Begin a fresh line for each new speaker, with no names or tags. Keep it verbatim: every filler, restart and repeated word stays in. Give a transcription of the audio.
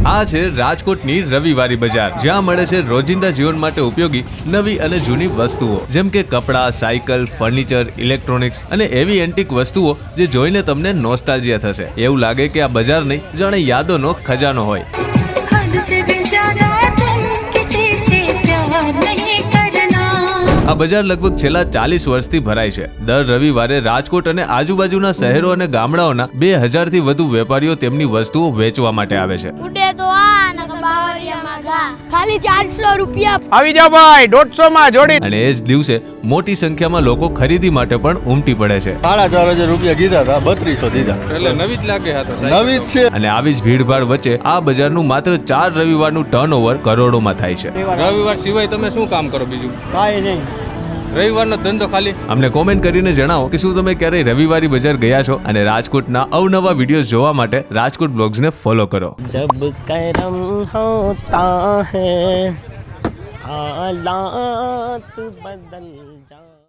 આ છે રાજકોટની રવિવારી બજાર, જ્યાં મળે છે રોજિંદા જીવન માટે ઉપયોગી નવી અને જૂની વસ્તુઓ, જેમ કે કપડાં, સાયકલ, ફર્નિચર, ઇલેક્ટ્રોનિક્સ અને એવી એન્ટિક વસ્તુઓ જે જોઈને તમને નોસ્ટાલ્જિયા થશે. એવું લાગે કે આ બજાર નહીં, જાણે યાદોનો ખજાનો હોય. આ બજાર લગભગ છેલ્લા ચાલીસ વર્ષથી ભરાય છે. દર રવિવારે રાજકોટ અને આજુબાજુના શહેરો અને ગામડાઓના બે હજાર થી વધુ વેપારીઓ તેમની વસ્તુઓ વેચવા માટે આવે છે.
ખાલી ચારસો રૂપિયા
આવી જાવ ભાઈ, દોઢસો માં જોડી.
અને એ જ દિવસે મોટી સંખ્યામાં લોકો ખરીદી માટે પણ ઉમટી પડે છે.
સાડા ચાર હજાર રૂપિયા કીધા હતા, બત્રીસો દીધા.
એટલે નવી જ લાગે હતા,
નવી જ છે.
અને આવી જ ભીડભાડ વચ્ચે આ બજારનું માત્ર ચાર રવિવારનું ટર્નઓવર કરોડોમાં થાય છે.
રવિવાર સિવાય તમે શું કામ કરો બીજું?
કાઈ નહીં,
રવિવારનો ધંધો ખાલી.
અમને કોમેન્ટ કરીને જણાવો કે શું તમે ક્યારેય રવિવારી બજાર ગયા છો, અને રાજકોટના અવનવા વિડીયોઝ જોવા માટે રાજકોટ બ્લોગ્સને ફોલો કરો.
जब करम होता है हालात बदल जा